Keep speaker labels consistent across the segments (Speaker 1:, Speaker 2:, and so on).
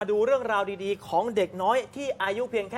Speaker 1: มาดูเรื่องราวดีๆของเด็กน้อยที่อายุเพียงแค่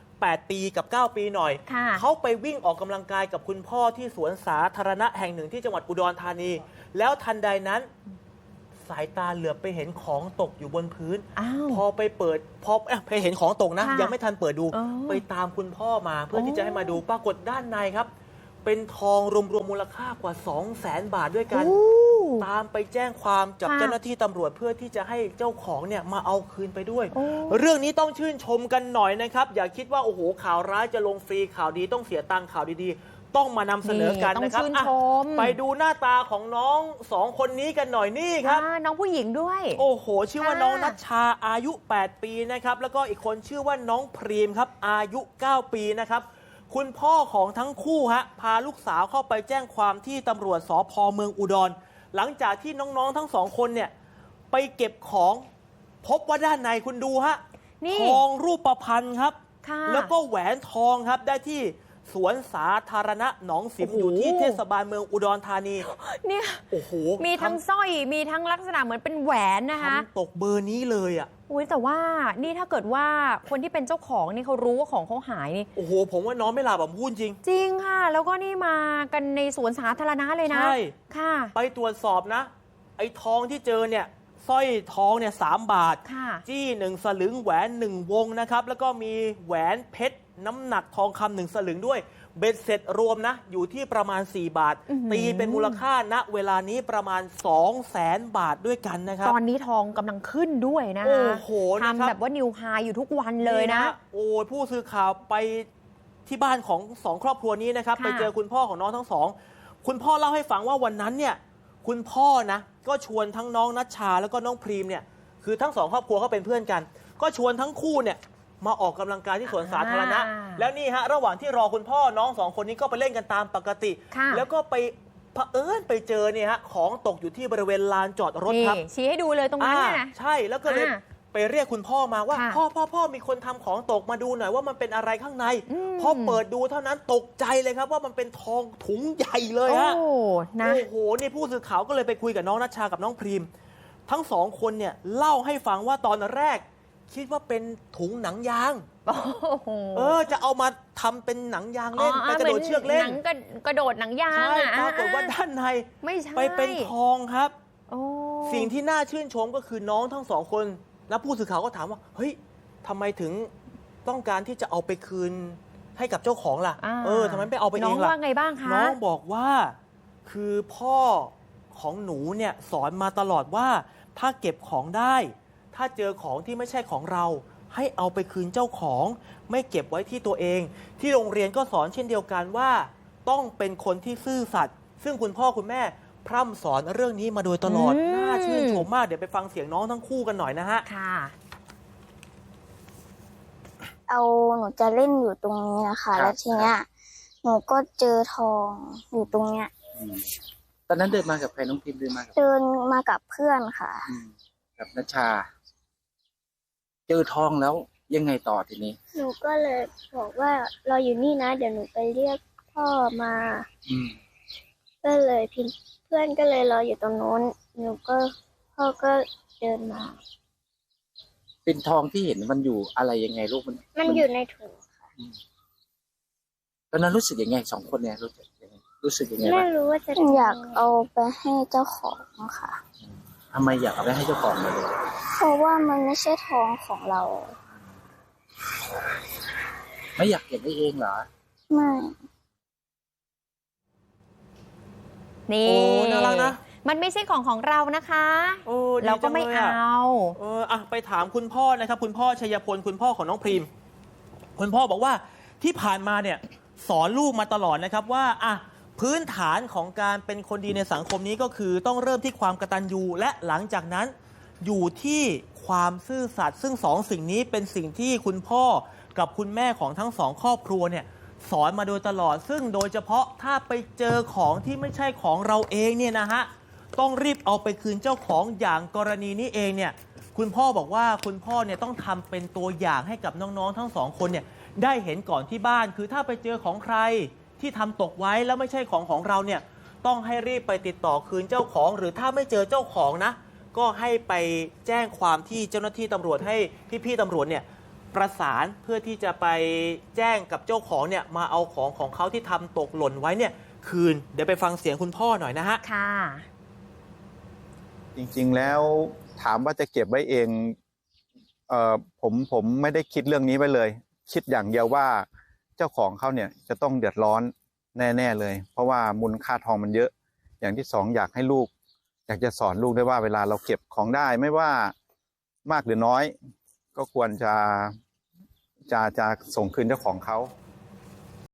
Speaker 1: 8 ปีกับ 9 ปีหน่อย เขาไปวิ่งออกกำลังกายกับคุณพ่อที่สวนสาธารณะแห่งหนึ่งที่จังหวัดอุดรธานี แล้วทันใดนั้นสายตาเหลือบไปเห็นของตกอยู่บนพื้น พอไปเปิดพอไปเห็นของตกนะยังไม่ทันเปิดดูไปตามคุณพ่อมาเพื่อที่จะให้มาดูปรากฏด้านในครับเป็นทองรวมมูลค่ากว่า 200,000 บาทด้วยกันตามไปแจ้งความจับเจ้าหน้าที่ตำรวจเพื่อที่จะให้เจ้าของเนี่ยมาเอาคืนไปด้วยเรื่องนี้ต้องชื่นชมกันหน่อยนะครับอย่าคิดว่าโอ้โหข่าวร้ายจะลงฟรีข่าวดีต้องเสียตังค์ข่าวดีๆต้องมานำเสนอกันนะครับไปดูหน้าตาของน้อง2 คนนี้กันหน่อยนี่ครับ
Speaker 2: น้องผู้หญิงด้วย
Speaker 1: โอ้โหชื่อว่าน้องนัชชาอายุ8 ปีนะครับแล้วก็อีกคนชื่อว่าน้องพรีมครับอายุ9 ปีนะครับคุณพ่อของทั้งคู่พาลูกสาวเข้าไปแจ้งความที่ตำรวจสภ.เมืองอุดรหลังจากที่น้องๆทั้ง2 คนเนี่ยไปเก็บของพบว่าด้านในคุณดูทองรูปพรรณครับแล้วก็แหวนทองครับได้ที่สวนสาธารณะหนองสิมอยู่ที่เทศบาลเมืองอุดรธานี
Speaker 2: เนี่ย
Speaker 1: โอ้โห
Speaker 2: มีทั้งสร้อยมีทั้งลักษณะเหมือนเป็นแหวนนะคะ
Speaker 1: ตกเบอร์นี้เลย
Speaker 2: อุ้ยแต่ว่านี่ถ้าเกิดว่าคนที่เป็นเจ้าของนี่เขารู้ว่าของเขาหายนี่
Speaker 1: โอ้โหผมว่าน้องไม่หลับพูดจริง
Speaker 2: จริงค่ะแล้วก็นี่มากันในสวนสาธารณะเลยนะ
Speaker 1: ใช่
Speaker 2: ค่ะ
Speaker 1: ไปตรวจสอบนะไอ้ทองที่เจอเนี่ยสร้อยทองเนี่ย3 บาทจี้1 สลึงแหวน1 วงนะครับแล้วก็มีแหวนเพชรน้ำหนักทองคำ1 สลึงด้วยเบ็ดเสร็จรวมนะอยู่ที่ประมาณ4 บาทตีเป็นมูลค่าณเวลานี้ประมาณ 200,000 บาทด้วยกันนะครับ
Speaker 2: ตอนนี้ทองกำลังขึ้นด้วยนะ
Speaker 1: โอ้โห
Speaker 2: ทำแบบว่านิวไฮอยู่ทุกวันเลยนะ
Speaker 1: โอ้ผู้สื่อข่าวไปที่บ้านของ2 ครอบครัวนี้นะครับไปเจอคุณพ่อของน้องทั้ง2คุณพ่อเล่าให้ฟังว่าวันนั้นเนี่ยคุณพ่อนะก็ชวนทั้งน้องนัชชาแล้วก็น้องพรีมเนี่ยคือทั้ง2 ครอบครัวเขาเป็นเพื่อนกันก็ชวนทั้งคู่เนี่ยมาออกกำลังกายที่สวนสาธารณะแล้วนี่ระหว่างที่รอคุณพ่อน้อง2 คนนี้ก็ไปเล่นกันตามปกติแล้วก็ไปเผอิญไปเจอเนี่ยของตกอยู่ที่บริเวณลานจอดรถครับ
Speaker 2: ชี้ให้ดูเลยตรงนั้นนะ
Speaker 1: ใช่แล้วก็เลยไปเรียกคุณพ่อมาว่าพ่อมีคนทำของตกมาดูหน่อยว่ามันเป็นอะไรข้างในพอเปิดดูเท่านั้นตกใจเลยครับว่ามันเป็นทองถุงใหญ่เลยโอ้โหนี่ผู้สื่อข่าวก็เลยไปคุยกับน้องนัชชากับน้องพรีมทั้ง2 คนเนี่ยเล่าให้ฟังว่าตอนแรกคิดว่าเป็นถุงหนังยางจะเอามาทำเป็นหนังยางเล่นไปกระโดดเชือกเล่น
Speaker 2: กระโดดหนังยาง
Speaker 1: ใช่ปรากฏว่าด้านในไปเป็นทองครับสิ่งที่น่าชื่นชมก็คือน้องทั้ง2 คนแล้วผู้สื่อข่าวก็ถามว่าเฮ้ยทำไมถึงต้องการที่จะเอาไปคืนให้กับเจ้าของล่ะทำไมไม่เอาไปเองล่ะ
Speaker 2: น้องว่าไงบ้างคะ
Speaker 1: น้องบอกว่าคือพ่อของหนูเนี่ยสอนมาตลอดว่าถ้าเก็บของได้ถ้าเจอของที่ไม่ใช่ของเราให้เอาไปคืนเจ้าของไม่เก็บไว้ที่ตัวเองที่โรงเรียนก็สอนเช่นเดียวกันว่าต้องเป็นคนที่ซื่อสัตย์ซึ่งคุณพ่อคุณแม่พร่ำสอนเรื่องนี้มาโดยตลอดน่าชื่นชมมากเดี๋ยวไปฟังเสียงน้องทั้งคู่กันหน่อยนะฮะ
Speaker 3: หนูจะเล่นอยู่ตรงนี้นะคะแล้วทีเนี้ยหนูก็เจอทองอยู่ตรงเนี้ย
Speaker 4: ตอนนั้นเดินมากับใครน้องพิมเดินมา
Speaker 3: กับเพื่อนค่ะ
Speaker 4: กับนัชชาเจอทองแล้วยังไงต่อทีนี้
Speaker 3: หนูก็เลยบอกว่าเราอยู่นี่นะเดี๋ยวหนูไปเรียกพ่อมาก็เลยเพื่อนก็เลยรออยู่ตรงโน้นพ่อก็เดินมา
Speaker 4: เป็นทองที่เห็นมันอยู่อะไรยังไงลูก
Speaker 3: มันอยู่ในถุงค่ะ
Speaker 4: ตอนนั้นรู้สึกยังไง2 คนเนี่ยรู้สึกยังไง
Speaker 3: ไม่รู้ว่าจะอยากเอาไปให้เจ้าของค่ะ
Speaker 4: ทำไมอยากเอาไปให้เจ้าของเลย
Speaker 3: เพราะว่ามันไม่ใช่ทองของเรา
Speaker 4: ไม่อยากเก็บไว้เองเหรอ
Speaker 3: ไม่
Speaker 2: นี่น่ารักนะมันไม่ใช่ของเรานะคะเราก็ไม่เอา
Speaker 1: ไปถามคุณพ่อนะครับคุณพ่อชัยพลคุณพ่อของน้องพรีมคุณพ่อบอกว่าที่ผ่านมาเนี่ยสอนลูกมาตลอดนะครับว่าพื้นฐานของการเป็นคนดีในสังคมนี้ก็คือต้องเริ่มที่ความกตัญญูและหลังจากนั้นอยู่ที่ความซื่อสัตย์ซึ่ง2 สิ่งนี้เป็นสิ่งที่คุณพ่อกับคุณแม่ของทั้ง2 ครอบครัวเนี่ยสอนมาโดยตลอดซึ่งโดยเฉพาะถ้าไปเจอของที่ไม่ใช่ของเราเองเนี่ยนะฮะต้องรีบเอาไปคืนเจ้าของอย่างกรณีนี้เองเนี่ยคุณพ่อบอกว่าคุณพ่อเนี่ยต้องทำเป็นตัวอย่างให้กับน้องๆทั้ง2 คนเนี่ยได้เห็นก่อนที่บ้านคือถ้าไปเจอของใครที่ทำตกไว้แล้วไม่ใช่ของเราเนี่ยต้องให้รีบไปติดต่อคืนเจ้าของหรือถ้าไม่เจอเจ้าของนะก็ให้ไปแจ้งความที่เจ้าหน้าที่ตำรวจให้พี่ๆตำรวจเนี่ยประสานเพื่อที่จะไปแจ้งกับเจ้าของเนี่ยมาเอาของเขาที่ทำตกหล่นไว้เนี่ยคืนเดี๋ยวไปฟังเสียงคุณพ่อหน่อยนะฮะ
Speaker 2: ค่ะ
Speaker 5: จริงๆแล้วถามว่าจะเก็บไว้เองผมไม่ได้คิดเรื่องนี้ไว้เลยคิดอย่างเดียวว่าเจ้าของเขาเนี่ยจะต้องเดือดร้อนแน่ๆเลยเพราะว่ามูลค่าทองมันเยอะอย่างที่สองอยากให้ลูกอยากจะสอนลูกได้ว่าเวลาเราเก็บของได้ไม่ว่ามากหรือน้อยก็ควรจะส่งคืนเจ้าของเขา